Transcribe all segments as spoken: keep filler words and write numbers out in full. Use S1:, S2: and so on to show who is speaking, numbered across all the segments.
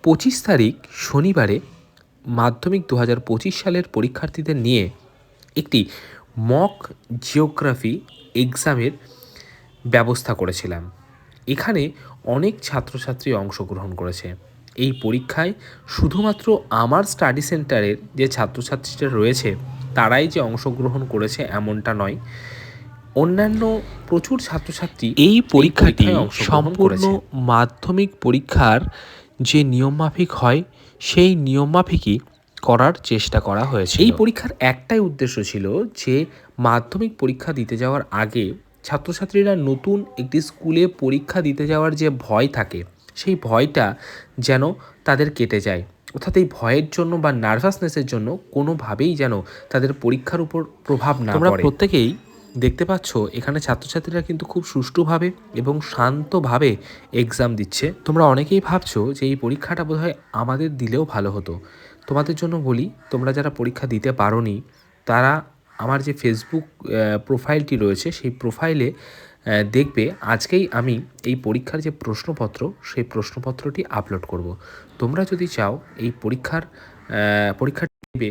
S1: পঁচিশ তারিখ শনিবারে মাধ্যমিক দু হাজার পঁচিশ সালের পরীক্ষার্থীদের নিয়ে একটি মক জিওগ্রাফি এক্সামের ব্যবস্থা করেছিলাম। এখানে অনেক ছাত্রছাত্রী অংশগ্রহণ করেছে। এই পরীক্ষায় শুধুমাত্র আমার স্টাডি সেন্টারের যে ছাত্রছাত্রীরা রয়েছে তারাই যে অংশগ্রহণ করেছে এমনটা নয়, অন্যান্য প্রচুর ছাত্রছাত্রী এই পরীক্ষাটি সম্পূর্ণ মাধ্যমিক পরীক্ষার যে নিয়মমাফিক হয় সেই নিয়মমাফিকই করার চেষ্টা করা হয়েছে। এই পরীক্ষার একটাই উদ্দেশ্য ছিল যে মাধ্যমিক পরীক্ষা দিতে যাওয়ার আগে ছাত্রছাত্রীরা নতুন একটি স্কুলে পরীক্ষা দিতে যাওয়ার যে ভয় থাকে সেই ভয়টা যেন তাদের কেটে যায়, অর্থাৎ এই ভয়ের জন্য বা নার্ভাসনেসের জন্য কোনোভাবেই যেন তাদের পরীক্ষার উপর প্রভাব না পড়ে। তোমরা প্রত্যেকেই দেখতে পাচ্ছ এখানে ছাত্রছাত্রীরা কিন্তু খুব সুষ্ঠুভাবে এবং শান্তভাবে এক্সাম দিচ্ছে। তোমরা অনেকেই ভাবছো যে এই পরীক্ষাটা বোধহয় আমাদের দিলেও ভালো হতো। তোমাদের জন্য বলি, তোমরা যারা পরীক্ষা দিতে পারোনি তারা আমার যে ফেসবুক প্রোফাইলটি রয়েছে সেই প্রোফাইলে দেখবে আজকেই আমি এই পরীক্ষার যে প্রশ্নপত্র সেই প্রশ্নপত্রটি আপলোড করব। তোমরা যদি চাও এই পরীক্ষার পরীক্ষাটি দেবে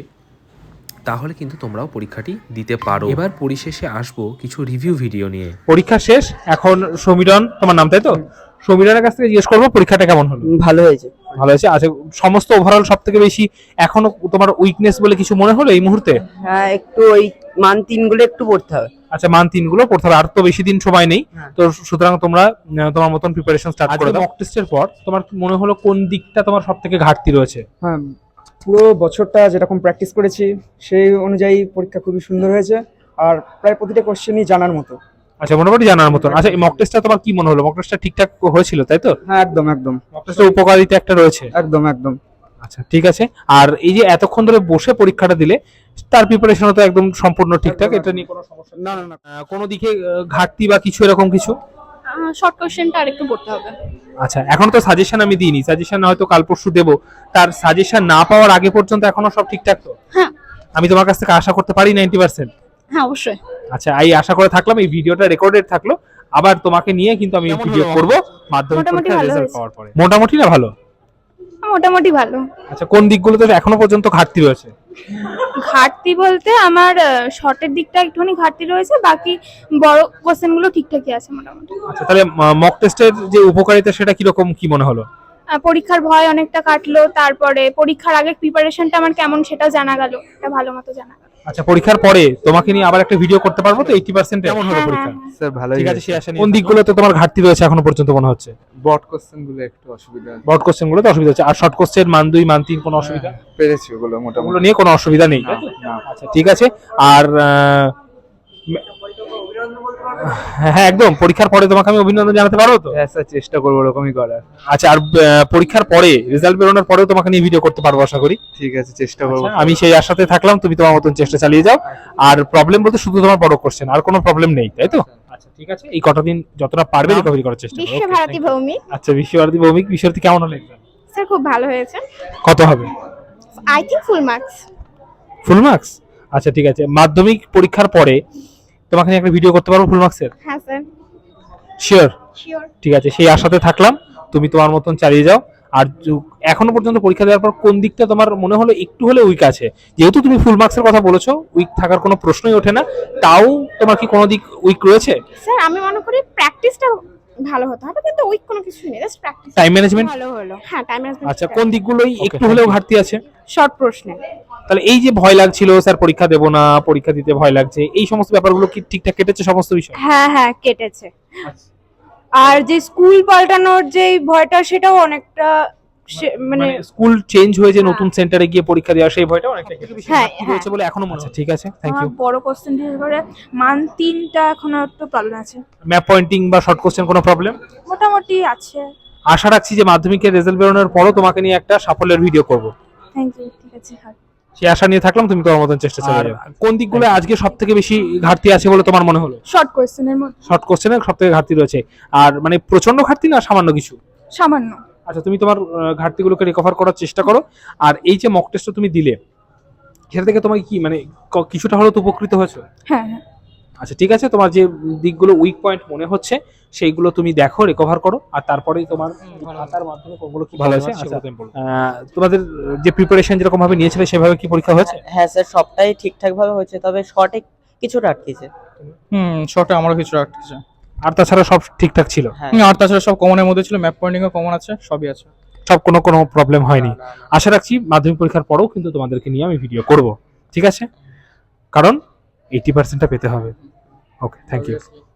S1: তাহলে কিন্তু তোমরাও পরীক্ষাটি দিতে পারো। এবার পরিশেষে আসবো কিছু রিভিউ ভিডিও নিয়ে।
S2: পরীক্ষা শেষ, এখন সমীরণ তোমার নাম তাই তো? সমীরণের কাছ থেকে জিজ্ঞেস করবো পরীক্ষাটা কেমন হলো।
S3: ভালো হয়েছে
S2: ভালো হয়েছে। আচ্ছা, সমস্ত ওভারঅল সব থেকে বেশি এখনো তোমার উইকনেস বলে কিছু মনে হলো এই মুহূর্তে?
S3: হ্যাঁ, একটু ওই মান তিন গুলো একটু পড়তে হবে।
S2: আচ্ছা, মান তিন গুলো পড়তে হবে, আর তো বেশি দিন সময় নেই। তো সুতরাং তোমরা তোমার মতন প্রিপারেশন স্টার্ট করে দাও। মক টেস্টের পর তোমার মনে হলো কোন দিকটা তোমার সব থেকে ঘাটতি রয়েছে?
S4: হ্যাঁ, পুরো বছরটা যেরকম প্র্যাকটিস করেছি সেই অনুযায়ী পরীক্ষা খুবই সুন্দর হয়েছে, আর প্রায় প্রতিটা কোশ্চেনই জানার মতো।
S2: আচ্ছা, মোটামুটি জানার মতন। আচ্ছা, এই মক টেস্টটা তোমার কি মনে হলো? মক টেস্টটা ঠিকঠাক হয়েছিল তাই তো?
S4: হ্যাঁ, একদম একদম।
S2: মক টেস্টের উপকারিতা একটা রয়েছে।
S4: একদম একদম।
S2: আচ্ছা, ঠিক আছে। আর এই যে এতক্ষণ ধরে বসে পরীক্ষাটা দিলে তার প্রিপারেশনও তো একদম সম্পূর্ণ ঠিকঠাক, এটা নিয়ে কোনো সমস্যা
S4: না না না।
S2: কোনো দিকে ঘাটতি বা কিছু এরকম কিছু?
S5: শর্ট কোশ্চেনটা আরেকটু পড়তে হবে।
S2: আচ্ছা, এখন তো সাজেশন আমি দিইনি, সাজেশন হয়তো কাল পরশু দেবো। তার সাজেশন না পাওয়ার আগে পর্যন্ত এখনো সব ঠিকঠাক তো?
S5: হ্যাঁ।
S2: আমি তোমার কাছ থেকে আশা করতে পারি নাইনটি পার্সেন্ট?
S5: হ্যাঁ, অবশ্যই।
S2: আচ্ছা, এই আশা করে থাকলাম। এই ভিডিওটা রেকর্ডেড থাকলো, আবার তোমাকে নিয়ে কিন্তু আমি ভিডিও করব মাধ্যমিক পরীক্ষার রেজাল্ট পাওয়ার পরে। মোটামুটি না ভালো?
S5: মোটামুটি ভালো।
S2: আচ্ছা, কোন দিকগুলোতে এখনো পর্যন্ত ঘাটতি রয়েছে?
S5: ঘাটতি বলতে আমার শর্টের দিকটা একটুখানি ঘাটতি রয়েছে, বাকি বড় কোশ্চেনগুলো ঠিকঠাকই আছে মোটামুটি।
S2: আচ্ছা, তাহলে মক টেস্টের যে উপকারিতা সেটা কি রকম কি মনে হলো?
S5: পরীক্ষার ভয় অনেকটা কাটলো, তারপরে পরীক্ষার আগে প্রিপারেশনটা আমার কেমন সেটা জানা গেল, এটা ভালো মতো জানা গেল।
S2: আচ্ছা, পরীক্ষার পরে তোমাকে নিয়ে আবার একটা ভিডিও করতে পারবো তো? এইটি পার্সেন্ট কেমন হলো পরীক্ষা?
S4: স্যার ভালোই।
S2: ঠিক আছে, সেই আশা নিয়ে। কোন দিকগুলোতে তোমার ঘাটতি রয়েছে এখনো পর্যন্ত মনে হচ্ছে?
S4: বট কোশ্চেন গুলো একটু অসুবিধা।
S2: বট কোশ্চেন গুলোতে অসুবিধা হচ্ছে, আর শর্ট কোশ্চেন মান দুই মান তিন কোনো অসুবিধা?
S4: পেরেছি ওগুলো
S2: ওগুলো
S4: মোটামুটি।
S2: নিয়ে কোনো অসুবিধা নেই তাই তো? আচ্ছা, ঠিক আছে। আর হ্যাঁ, একদম পরীক্ষার পরে তোমাকে আমি অভিনন্দন জানাতে পারবো তো?
S4: হ্যাঁ স্যার, চেষ্টা করবো ওরকমই করার।
S2: আচ্ছা, আর পরীক্ষার পরে রেজাল্ট বেরোনোর পরেও তোমাকে নিয়ে ভিডিও করতে পারবো আশা করি।
S4: ঠিক আছে, চেষ্টা করবো।
S2: আচ্ছা, আমি সেই আশাতে থাকলাম, তুমি তোমার মতন চেষ্টা চালিয়ে যাও। আর প্রবলেম বলতে শুধু তোমার বড় কোশ্চেন, আর কোনো প্রবলেম নেই তাই তো? আচ্ছা, ঠিক আছে। এই কটা দিন যতটা পারবে রিকভারি করার চেষ্টা করো।
S5: বিশ্বভারতী ভৌমিক।
S2: আচ্ছা, বিশ্বভারতী ভৌমিক বিষয়টি কেমন হলো এক্সাম?
S5: স্যার খুব ভালো হয়েছে।
S2: কত হবে?
S5: I think full marks.
S2: Full marks? আচ্ছা, ঠিক আছে। মাধ্যমিক পরীক্ষার পরে তোমাকে নিয়ে একটা ভিডিও করতে পারবো ফুল মার্কসের?
S5: হ্যাঁ স্যার।
S2: শিওর?
S5: শিওর।
S2: ঠিক আছে, সেই আশাতে থাকলাম। তুমি তোমার মতন চালিয়ে যাও। আর এখনো পর্যন্ত পরীক্ষা দেওয়ার পর কোন দিকটা তোমার মনে হলো একটু হলে উইক আছে? যেহেতু তুমি ফুল মার্কসের কথা বলেছো, উইক থাকার কোনো প্রশ্নই ওঠে না, তাও তোমার কি কোনো দিক উইক রয়েছে?
S5: স্যার আমি মনে করি প্র্যাকটিসটা ভালো হতে হবে, কিন্তু উইক কোনো কিছু নেই, জাস্ট প্র্যাকটিস।
S2: টাইম ম্যানেজমেন্ট
S5: ভালো হলো। হ্যাঁ, টাইম ম্যানেজমেন্ট।
S2: আচ্ছা, কোন দিকগুলোই একটু হলেও ঘাটতি আছে?
S5: শর্ট প্রশ্নে।
S2: তাহলে এই যে ভয় লাগছিল স্যার পরীক্ষা দেবো না, পরীক্ষা দিতে ভয় লাগছে, এই সমস্ত ব্যাপারগুলো কি ঠিকঠাক কেটেছে সমস্ত বিষয়?
S6: হ্যাঁ হ্যাঁ কেটেছে। আর যে স্কুল পাল্টানোর যে ভয়টা সেটাও অনেকটা মানে
S2: স্কুল চেঞ্জ হয়ে যে নতুন সেন্টারে গিয়ে পরীক্ষা দেওয়া সেই ভয়টা অনেকটা
S6: হ্যাঁ
S2: হয়েছে বলে এখনো মনে হচ্ছে। ঠিক আছে, থ্যাংক ইউ।
S6: বড় কোশ্চেন বিশেষ করে মান তিনটা এখনো একটু প্রবলেম আছে।
S2: ম্যাপ পয়েন্টিং বা শর্ট কোশ্চেন কোনো প্রবলেম?
S6: মোটামুটি আছে।
S2: আশা রাখছি যে মাধ্যমিকের রেজাল্ট বেরোনোর পরও তোমাকে নিয়ে একটা সাফল্যের ভিডিও করব।
S6: Thank you. ঠিক আছে, হ্যাঁ
S2: সেই আশা নিয়ে থাকলাম, তুমি তোমার মতন চেষ্টা চালিয়ে যাও। কোন দিকগুলো আজকে সবথেকে বেশি ঘাটতি আছে বলে তোমার মনে হলো?
S6: শর্ট কোশ্চেনের মধ্যে।
S2: শর্ট কোশ্চেনের সবথেকে ঘাটতি রয়েছে, আর মানে প্রচন্ড ঘাটতি না সামান্য কিছু?
S6: সামান্য।
S2: আচ্ছা, তুমি তোমার ঘাটতিগুলোকে রিকভার করার চেষ্টা করো। আর এই যে মক টেস্টটা তুমি দিলে সেটা থেকে তোমাকে কি মানে কিছুটা হলেও তো উপকৃত হয়েছে?
S6: হ্যাঁ হ্যাঁ।
S2: আচ্ছা ঠিক আছে, তোমার যে দিকগুলো উইক পয়েন্ট মনে হচ্ছে সেইগুলো তুমি দেখো, রিকভার করো, আর তারপরেই তোমার খাতার মাধ্যমে কোনগুলো কি ভালো আছে। আচ্ছা, আহ, তোমাদের যে প্রিপারেশন যেরকম ভাবে নিয়েছিলে সেভাবে কি পরীক্ষা হয়েছে?
S7: হ্যাঁ স্যার, সবটাই ঠিকঠাক ভাবে হয়েছে, তবে শর্টে কিছুটা আটকেছে।
S8: হুম, শর্টে আমারও কিছু আটকেছে।
S2: আর তাছাড়া সব ঠিকঠাক ছিল?
S7: হ্যাঁ,
S8: হুম, আর তাছাড়া সব কমনের মধ্যে ছিল, ম্যাপ পয়েন্টিংও কমন আছে, সবই আছে।
S2: সব কোনো কোনো প্রবলেম হয়নি? আশা রাখছি মাধ্যমিক পরীক্ষার পরেও কিন্তু তোমাদেরকে নিয়ে আমি ভিডিও করব, ঠিক আছে? কারণ এইটি পার্সেন্টটা পেতে হবে। Okay, thank you.